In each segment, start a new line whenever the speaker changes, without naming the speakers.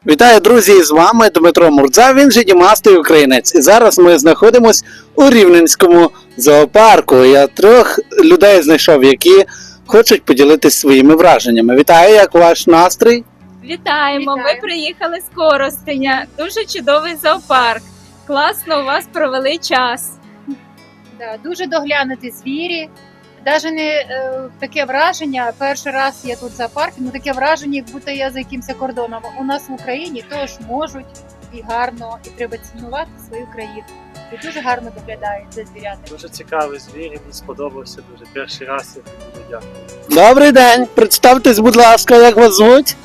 Вітаю, друзі! З вами Дмитро Мурдза, він же Дімастий українець. І зараз ми знаходимося у Рівненському зоопарку. Я трьох людей знайшов, які хочуть поділитися своїми враженнями. Вітаю, як ваш настрій?
Вітаємо! Ми приїхали з Коростеня. Дуже чудовий зоопарк. Класно у вас провели час.
Да, дуже доглянуті звірі. Навіть не таке враження, перший раз я тут в зоопарку, ну таке враження, як будто я за якимось кордоном. У нас в Україні теж можуть і гарно, і треба цінувати свою країну. І дуже гарно доглядають за звірятами.
Дуже цікавий звір, мені сподобався дуже. Перший раз я дуже дякую.
Добрий день! Представтесь, будь ласка, як вас звуть?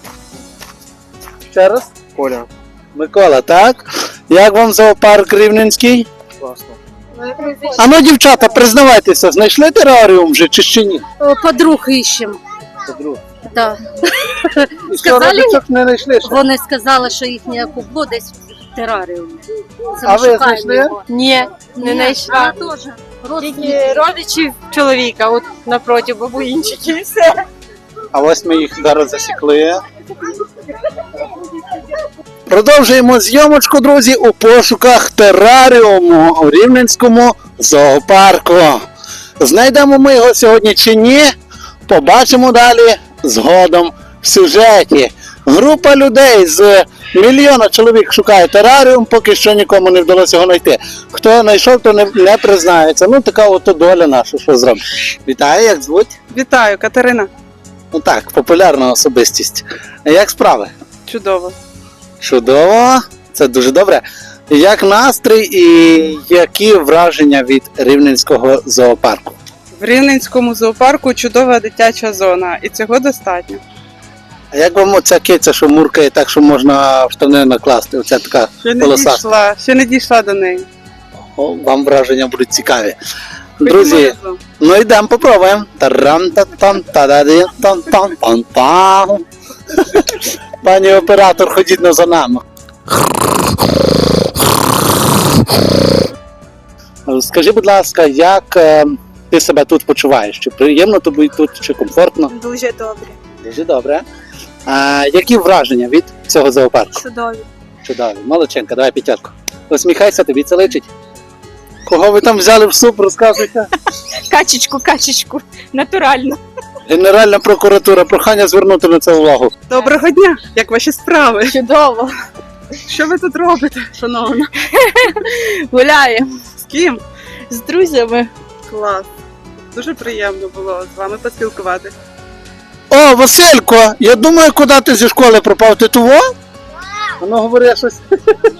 Ще раз?
Коля,
Микола, так? Як вам зоопарк Рівненський?
класно.
А ну, дівчата, признавайтеся, знайшли тераріум вже чи ще ні?
Подруг ищем.
Подруг.
Да.
І що,
Сказали?
родичок не знайшли ще?
Вони сказали, що їхнє кубло десь в тераріумі. Це
А
ми
ви
шукаємо
знайшли?
його.
Ні, не знайшла.
Вона теж.
Тільки
Родственники.
родичів чоловіка, от напроти бабуїнчики і все.
А ось ми їх зараз засікли. Продовжуємо зйомочку, друзі, у пошуках тераріуму у Рівненському зоопарку. Знайдемо ми його сьогодні чи ні, побачимо далі згодом в сюжеті. Група людей з мільйона чоловік шукає тераріум, поки що нікому не вдалося його знайти. Хто знайшов, то не признається. Ну, така от доля наша, що зробимо. Вітаю, як звуть?
Вітаю, Катерина.
Ну так, популярна особистість. Як справи?
Чудово.
Чудово, це дуже добре. Як настрій і які враження від Рівненського зоопарку?
В Рівненському зоопарку чудова дитяча зона, і цього достатньо.
А як вам оця киця, що муркає так, що можна в штани накласти? Оця така полосата.
Ще не дійшла до неї.
О, вам враження будуть цікаві.
Ходімо
Друзі,
разом.
ну йдемо попробуємо. Тарам-та-там-та-да-ди-там-там-там-там. Пані оператор, ходіть на за нами. Скажи, будь ласка, як ти себе тут почуваєш? Чи приємно тобі тут, чи комфортно?
Дуже добре.
Дуже добре. Які враження від цього зоопарку?
Чудові.
Чудові. Молодченка, давай п'ятятку. Посміхайся, тобі це личить. Кого ви там взяли в суп, розказуйте.
Качечку, натурально.
Генеральна прокуратура, прохання звернути на це увагу.
Доброго дня! Як ваші справи?
Чудово.
Що ви тут робите, шановна?
Гуляємо
З ким?
з друзями.
Клас. Дуже приємно було з вами поспілкуватися.
О, Василько, я думаю, куди ти зі школи пропав, ти того? Ну, говори щось.